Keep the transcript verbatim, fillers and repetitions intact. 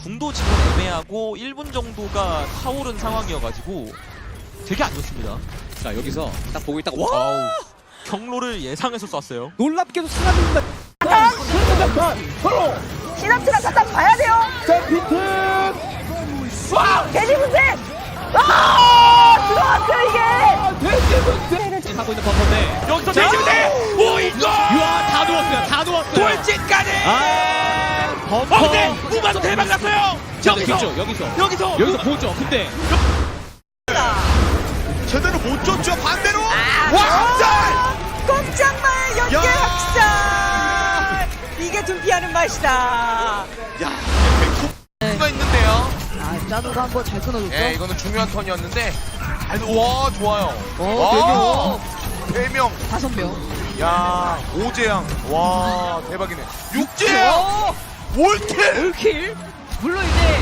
궁도 지금 애매하고 일 분 정도가 타오른 상황이어가지고 되게 안 좋습니다. 자 여기서 딱 보고 있다가 와 아우, 경로를 예상해서 쐈어요. 놀랍게도 사라집니다. 시나트라 갖다 봐야 돼요. 자, 비트! 와, 돼지 분쇄. 아, 들어왔어요 이게. 아, 돼지 분쇄! 하고 있는 버퍼인데 여기서 대지부대 오 이거 우와 다 놓았어요. 다 놓았어요. 돌진까지. 아 버퍼. 어, 근데 무바도 대박 났어요. 여기서 여기서 여기서 여기서 여기서 보죠. 근데 제대로 못 줬죠, 반대로! 아, 와, 학살! 꼼짝마의 연계 야! 학살. 이게 둔피하는 맛이다. 야, 백호가 있는데요. 아, 짜누가 한번 잘 끊어줬죠. 예, 이거는 중요한 턴이었는데. 아이고, 와, 좋아요. 어, 와, 네 명. 다섯 명. 야, 오재양. 와, 대박이네. 육재양! 어, 올킬! 올킬. 물론 이제